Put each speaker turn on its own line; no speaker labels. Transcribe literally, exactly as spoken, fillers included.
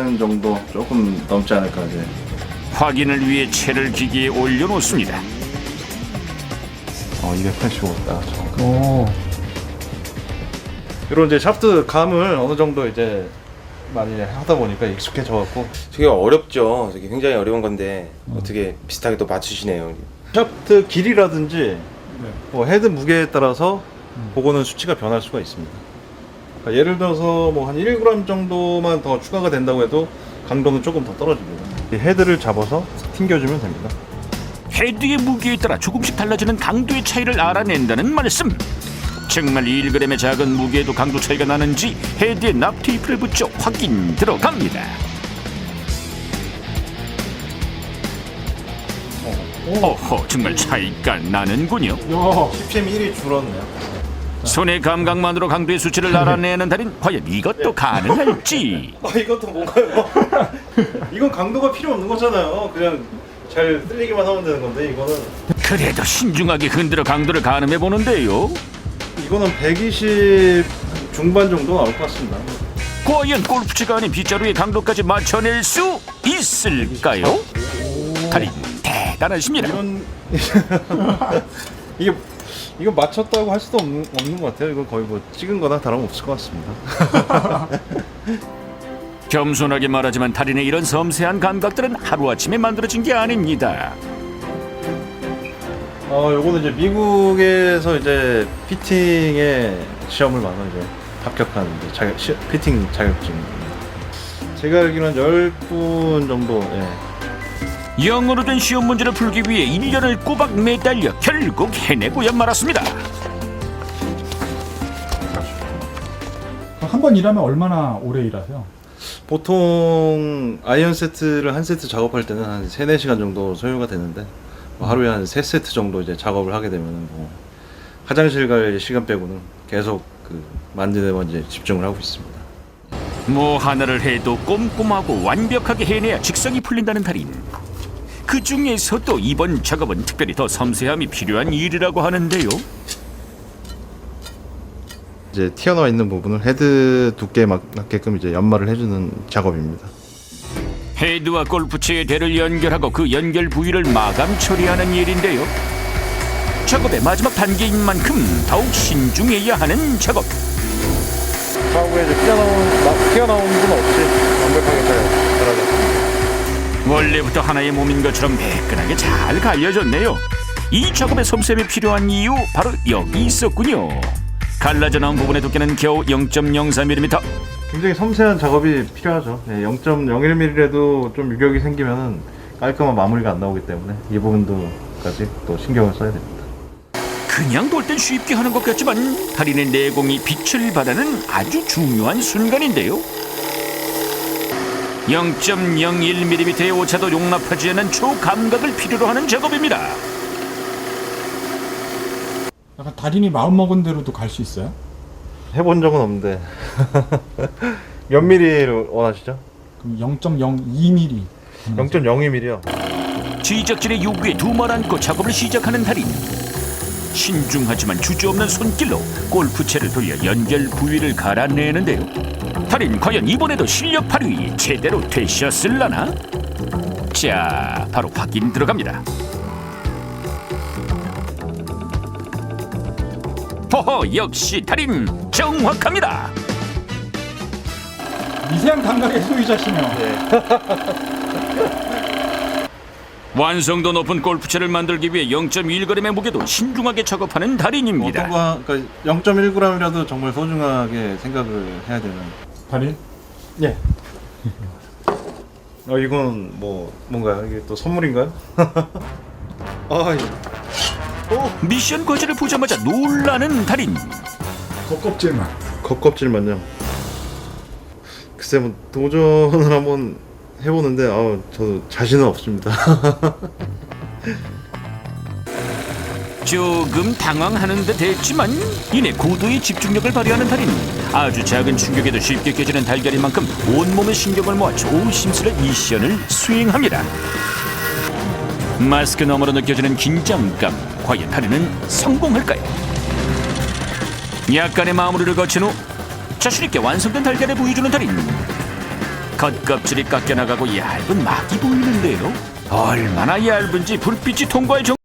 이백팔십오 정도 조금 넘지 않을까 이제.
확인을 위해 채를 기기에 올려놓습니다.
어 이백팔십오 딱 정확.
오.
이런 이제 샤프트 감을 어느 정도 이제 많이 하다 보니까 익숙해져 갖고.
되게 어렵죠. 되게 굉장히 어려운 건데 어떻게 비슷하게 또 맞추시네요.
샤프트 길이라든지 뭐 헤드 무게에 따라서 그거는 수치가 변할 수가 있습니다. 그러니까 예를 들어서 뭐 한 일 그램 정도만 더 추가가 된다고 해도 강도는 조금 더 떨어집니다. 이 헤드를 잡아서 튕겨주면 됩니다.
헤드의 무게에 따라 조금씩 달라지는 강도의 차이를 알아낸다는 말씀. 정말 일 그램의 작은 무게에도 강도 차이가 나는지 헤드에 납테이프를 붙여 확인 들어갑니다. 어허, 정말 차이가 나는군요.
야.
씨피엠 일이 줄었네요.
손의 감각만으로 강도의 수치를 알아내는 달인, 과연 이것도 가능할지.
아 이것도 뭔가요? 이건 강도가 필요 없는 거잖아요. 그냥 잘 쓸리기만 하면 되는 건데 이거는
그래도 신중하게 흔들어 강도를 가늠해 보는데요.
이거는 백이십 중반 정도 나올 것 같습니다.
과연 골프채가 아닌 빗자루의 강도까지 맞춰낼 수 있을까요? 달인 대단하십니다.
이런 이게 이거 맞췄다고 할 수도 없는, 없는 것 같아요. 이거 거의 뭐 찍은 거나 다름없을 것 같습니다.
겸손하게 말하지만 달인의 이런 섬세한 감각들은 하루아침에 만들어진 게 아닙니다.
어, 요거는 이제 미국에서 이제 피팅의 시험을 봐서 이제 합격한 이제 자격, 시, 피팅 자격증입니다. 제가 알기로는 열 분 정도. 예.
영어로 된 시험 문제를 풀기 위해 일 년을 꼬박 매달려 결국 해내고야 말았습니다.
한 번 일하면 얼마나 오래 일하세요?
보통 아이언 세트를 한 세트 작업할 때는 한 세네 시간 정도 소요가 되는데 뭐 하루에 한 세 세트 정도 이제 작업을 하게 되면 뭐 화장실 갈 시간 빼고는 계속 그 만드는 데 이제 집중을 하고 있습니다.
뭐 하나를 해도 꼼꼼하고 완벽하게 해내야 직성이 풀린다는 달인. 그 중에서도 이번 작업은 특별히 더 섬세함이 필요한 일이라고 하는데요.
이제 튀어나와 있는 부분을 헤드 두께에 맞게끔 이제 연마를 해주는 작업입니다.
헤드와 골프채의 대를 연결하고 그 연결 부위를 마감 처리하는 일인데요. 작업의 마지막 단계인 만큼 더욱 신중해야 하는 작업.
사고에 이제 튀어나온, 튀어나온 부분 없이 완벽하게 잘 들어갔습니다.
원래부터 하나의 몸인 것처럼 매끈하게 잘 갈려졌네요. 이 작업에 섬세함이 필요한 이유 바로 여기 있었군요. 갈라져 나온 부분의 두께는 겨우 영 점 영사 밀리미터.
굉장히 섬세한 작업이 필요하죠. 네, 영 점 영일 밀리미터라도 좀 유격이 생기면은 깔끔한 마무리가 안 나오기 때문에 이 부분도까지 또 신경을 써야 됩니다.
그냥 돌 땐 쉽게 하는 것 같지만 달인의 내공이 빛을 발하는 아주 중요한 순간인데요. 영 점 영일 밀리미터의 오차도 용납하지 않는 초감각을 필요로 하는 작업입니다.
약간 달인이 마음먹은 대로도 갈 수 있어요?
해본 적은 없는데 몇 밀리를 원하시죠?
그럼 영 점 영이 밀리미터.
영 점 영이 밀리미터요.
지적진의 요구에 두말 않고 작업을 시작하는 달인. 신중하지만 주저없는 손길로 골프채를 돌려 연결 부위를 갈아내는데요. 달인 과연 이번에도 실력 발휘 제대로 되셨을라나? 자, 바로 확인 들어갑니다. 호호, 역시 달인 정확합니다.
미세한 감각의 소유자시네요.
완성도 높은 골프채를 만들기 위해 영 점 일 그램의 무게도 신중하게 작업하는 달인입니다.
어떤 거, 그러니까 영 점 일 그램이라도 정말 소중하게 생각을 해야 되는.
달인?
예. 어 이건 뭐 뭔가요? 이게 또 선물인가요? 아, 이
미션 과제를 보자마자 놀라는 달인.
겉껍질만.
겉껍질만요. 글쎄 뭐 도전을 한번 해보는데 아 저도 자신은 없습니다.
조금 당황하는 듯 했지만 이내 고도의 집중력을 발휘하는 달인. 아주 작은 충격에도 쉽게 깨지는 달걀인 만큼 온몸의 신경을 모아 조심스레 미션을 수행합니다. 마스크 너머로 느껴지는 긴장감, 과연 달인은 성공할까요? 약간의 마무리를 거친 후 자신있게 완성된 달걀을 보여주는 달인. 겉껍질이 깎여나가고 얇은 막이 보이는데요. 얼마나 얇은지 불빛이 통과할 정도.